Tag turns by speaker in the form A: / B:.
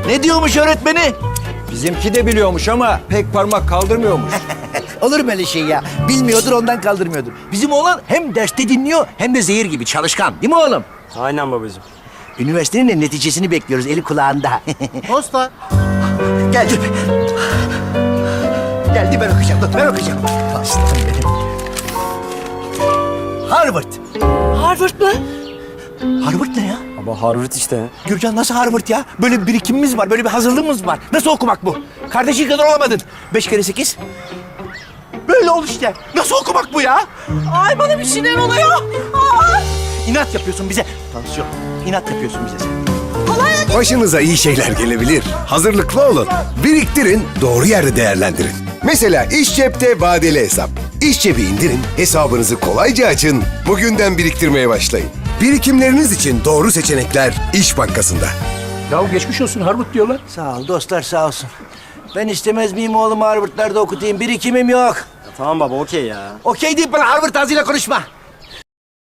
A: Ne diyormuş öğretmeni?
B: Bizimki de biliyormuş ama pek parmak kaldırmıyormuş.
A: Olur mu öyle şey ya? Bilmiyordur ondan kaldırmıyordur. Bizim oğlan hem derste dinliyor hem de zehir gibi çalışkan. Değil mi oğlum?
C: Aynen babacığım.
A: Üniversitenin de neticesini bekliyoruz. Eli kulağında.
D: Posta.
A: Geldi. Geldi ben okuyacağım. Dur, ben okuyacağım. Aslanım benim. Harvard.
E: Harvard mı?
A: Harvard ne ya?
C: Baba Harvard işte.
A: Gürcan nasıl Harvard ya? Böyle bir birikimimiz var, böyle bir hazırlığımız var. Nasıl okumak bu? Kardeşin kadar olamadın. 5 kere 8. Böyle ol işte. Nasıl okumak bu ya?
E: Ay bana bir şeyler oluyor. Aa!
A: İnat yapıyorsun bize. Tansiyon. İnat yapıyorsun bize sen.
F: Başınıza iyi şeyler gelebilir. Hazırlıklı olun. Biriktirin, doğru yerde değerlendirin. Mesela İş Cep'te vadeli hesap. İş Cep'i indirin, hesabınızı kolayca açın. Bugünden biriktirmeye başlayın. Birikimleriniz için doğru seçenekler İş Bankası'nda.
B: Ya geçmiş olsun Harvard diyorlar.
A: Sağ ol dostlar sağ olsun. Ben istemez miyim oğlumu Harvard'larda okutayım? Birikimim yok.
C: Tamam baba okey ya.
A: Okey deyip bana Harvard ağzıyla konuşma.